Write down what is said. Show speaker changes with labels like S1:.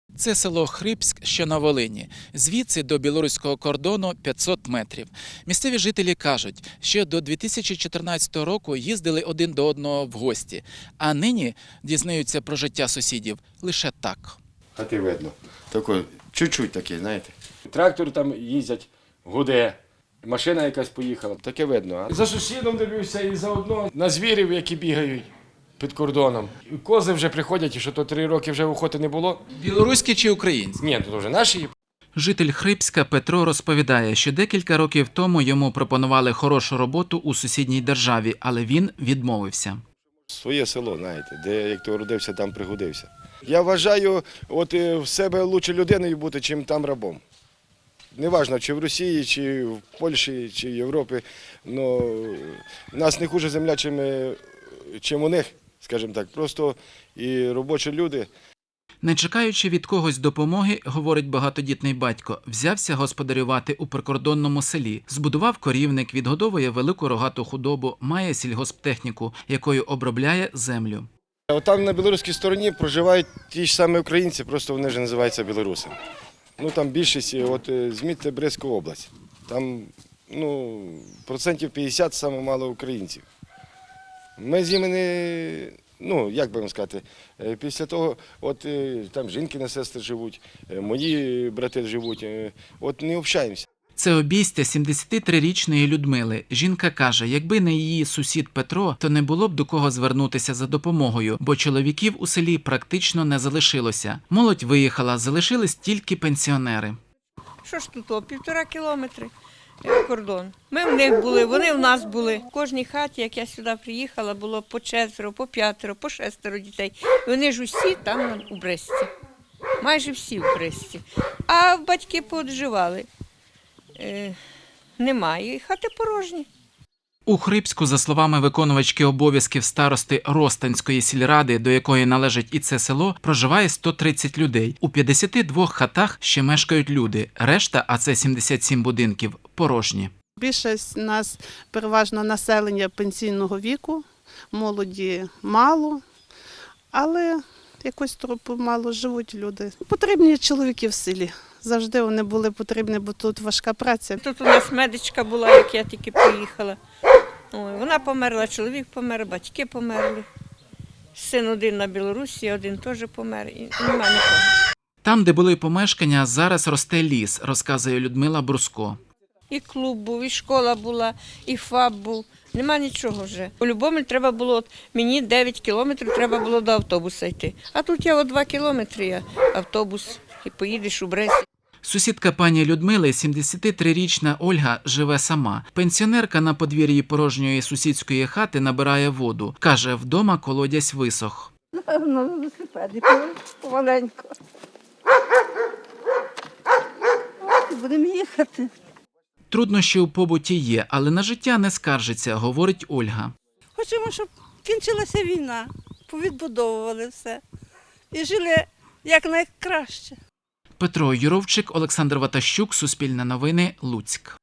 S1: Це село Хрипськ, що на Волині. Звідси до білоруського кордону 500 метрів. Місцеві жителі кажуть, що до 2014 року їздили один до одного в гості, а нині дізнаються про життя сусідів лише так.
S2: Хати видно. Такий, чуть-чуть такий, знаєте. Трактор там їздять, гуде, машина якась поїхала. Таке видно. За сусідом дивлюся і заодно на звірів, які бігають під кордоном. Кози вже приходять, і що то 3 роки вже охоти не було.
S1: Білоруські чи українські?
S2: Ні, то вже наші.
S1: Житель Хрипська Петро розповідає, що декілька років тому йому пропонували хорошу роботу у сусідній державі, але він відмовився.
S2: Своє село, знаєте, де як то родився, там пригодився. Я вважаю, от в себе краще людиною бути, чим там рабом. Неважно, чи в Росії, чи в Польщі, чи в Європі. Но в нас не хуже земля, чим у них, скажімо так. Просто і робочі люди.
S1: Не чекаючи від когось допомоги, говорить багатодітний батько, взявся господарювати у прикордонному селі. Збудував корівник, відгодовує велику рогату худобу, має сільгосптехніку, якою обробляє землю.
S2: От там на білоруській стороні проживають ті ж самі українці, просто вони вже називаються білорусами. Ну там більшість, от змітьте Брестську область. Там, процентів 50 саме мало українців. Ми з ними не, як би вам сказати, після того, от там жінки сестри живуть, мої брати живуть, от не общаємося.
S1: Це обійстя 73-річної Людмили. Жінка каже, якби не її сусід Петро, то не було б до кого звернутися за допомогою, бо чоловіків у селі практично не залишилося. Молодь виїхала, залишились тільки пенсіонери.
S3: Що ж тут, 1,5 кілометри кордон. Ми в них були, вони в нас були. В кожній хаті, як я сюди приїхала, було по 4, по 5, по 6 дітей. Вони ж усі там у Бресті. Майже всі в Бресті. А батьки поодживали. Немає, і хати порожні.
S1: У Хрипську, за словами виконувачки обов'язків старости Ростанської сільради, до якої належить і це село, проживає 130 людей. У 52 хатах ще мешкають люди. Решта, а це 77 будинків, порожні.
S4: Більшість у нас переважно населення пенсійного віку, молоді мало, але якось трохи мало живуть люди. Потрібні чоловіки в селі. Завжди вони були потрібні, бо тут важка праця.
S3: Тут у нас медичка була, як я тільки приїхала. Ой, вона померла, чоловік помер, батьки померли. Син один на Білорусі, один теж помер, і немає нікого.
S1: Там, де були помешкання, зараз росте ліс, розказує Людмила Бруско.
S3: І клуб був, і школа була, і ФАП був. Нема нічого вже. У Любомль треба було, мені 9 кілометрів треба було до автобуса йти. А тут я 2 кілометри, автобус, і поїдеш у Брест.
S1: Сусідка пані Людмили, 73-річна Ольга, живе сама. Пенсіонерка на подвір'ї порожньої сусідської хати набирає воду. Каже, вдома колодязь висох.
S5: Напевно, на велосипеді помаленьку. Будемо їхати.
S1: Труднощі у побуті є, але на життя не скаржиться, говорить Ольга.
S5: Хочемо, щоб кінчилася війна, повідбудовували все і жили якнайкраще.
S1: Петро Юровчик, Олександр Ватащук, Суспільне новини, Луцьк.